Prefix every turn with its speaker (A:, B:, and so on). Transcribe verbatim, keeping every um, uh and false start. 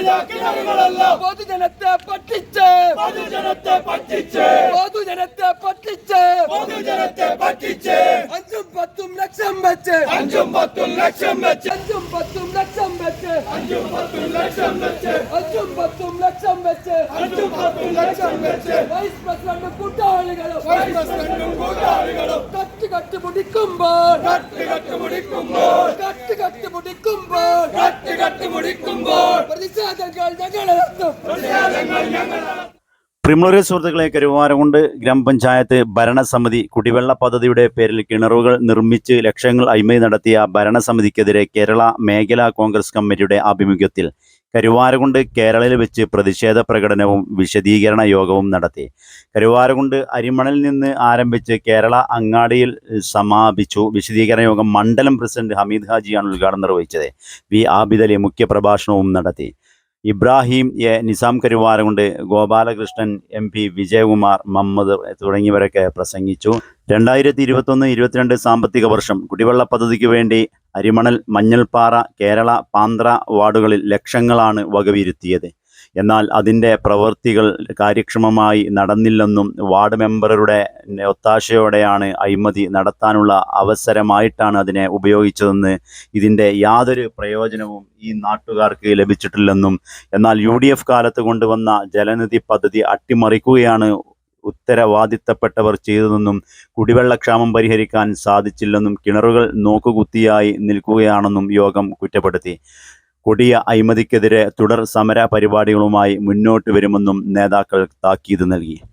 A: പൊതുജനത്തെ പറ്റിച്ച്
B: പൊതുജനത്തെ പറ്റിച്ച്
A: പൊതുജനത്തെ പറ്റിച്ച്
B: പൊതുജനത്തെ പറ്റിച്ച്
A: അഞ്ചും പത്തും ലക്ഷം വെച്ച്
B: അഞ്ചും പത്തും ലക്ഷം വെച്ച്
A: അഞ്ചും പത്തും ലക്ഷം വെച്ച്
B: അഞ്ചും പത്തും ലക്ഷം വെച്ച്
A: അഞ്ചും പത്തും ലക്ഷം വെച്ച്
B: അഞ്ചും പത്തും ലക്ഷം വെച്ച്
A: വൈസ് പ്രസിഡന്റ് കൂട്ടാളികളും
B: വൈസ് പ്രസിഡന്റും കൂട്ടാളികളും
A: കട്ട് കട്ട് മുടിക്കുമ്പോൾ
B: കട്ട് കട്ട് മുടിക്കുമ്പോൾ
A: കട്ട് കട്ട് മുടിക്കുമ്പോൾ
B: കട്ട് കട്ട് മുടിക്കുമ്പോൾ
A: പ്രതിഷേധങ്ങൾ ഞങ്ങൾ നടത്തും
B: പ്രതിഷേധങ്ങൾ ഞങ്ങൾ
C: പ്രിയമുള്ള സുഹൃത്തുക്കളെ, കരുവാരകുണ്ട് ഗ്രാമപഞ്ചായത്ത് ഭരണസമിതി കുടിവെള്ള പദ്ധതിയുടെ പേരിൽ കിണറുകൾ നിർമ്മിച്ച് ലക്ഷങ്ങൾ അഴിമതി നടത്തിയ ഭരണസമിതിക്കെതിരെ കേരള മേഖലാ കോൺഗ്രസ് കമ്മിറ്റിയുടെ ആഭിമുഖ്യത്തിൽ കരുവാരകുണ്ട് കേരളയിൽ വെച്ച് പ്രതിഷേധ പ്രകടനവും വിശദീകരണ യോഗവും നടത്തി. കരുവാരകുണ്ട് അരിമണലിൽ നിന്ന് ആരംഭിച്ച് കേരള അങ്ങാടിയിൽ സമാപിച്ചു. വിശദീകരണ യോഗം മണ്ഡലം പ്രസിഡന്റ് ഹമീദ് ഹാജിയാണ് ഉദ്ഘാടനം നിർവഹിച്ചത്. വി ആബിദലി മുഖ്യപ്രഭാഷണവും നടത്തി. Ibrahim A Nizam Karuvarakundu, Gopalakrishnan M P, Vijayakumar Muhammad തുടങ്ങിയവരൊക്കെ പ്രസംഗിച്ചു. രണ്ടായിരത്തി ഇരുപത്തൊന്ന് ഇരുപത്തിരണ്ട് സാമ്പത്തിക വർഷം കുടിവെള്ള പദ്ധതിക്ക് വേണ്ടി അരിമണൽ, മഞ്ഞൾപ്പാറ, കേരള, പാന്ത്ര വാർഡുകളിൽ ലക്ഷങ്ങളാണ് വകയിരുത്തിയത്. എന്നാൽ അതിൻ്റെ പ്രവൃത്തികൾ കാര്യക്ഷമമായി നടന്നില്ലെന്നും വാർഡ് മെമ്പറുടെ ഒത്താശയോടെയാണ് അഴിമതി നടത്താനുള്ള അവസരമായിട്ടാണ് അതിനെ ഉപയോഗിച്ചതെന്ന്, ഇതിൻ്റെ യാതൊരു പ്രയോജനവും ഈ നാട്ടുകാർക്ക് ലഭിച്ചിട്ടില്ലെന്നും, എന്നാൽ യു ഡി എഫ് കാലത്ത് കൊണ്ടുവന്ന ജലനിധി പദ്ധതി അട്ടിമറിക്കുകയാണ് ഉത്തരവാദിത്തപ്പെട്ടവർ ചെയ്തതെന്നും, കുടിവെള്ളക്ഷാമം പരിഹരിക്കാൻ സാധിച്ചില്ലെന്നും, കിണറുകൾ നോക്കുകുത്തിയായി നിൽക്കുകയാണെന്നും യോഗം കുറ്റപ്പെടുത്തി. കൊടിയ അഴിമതിക്കെതിരെ തുടർ സമര പരിപാടികളുമായി മുന്നോട്ട് വരുമെന്നും നേതാക്കൾ താക്കീത് നൽകി.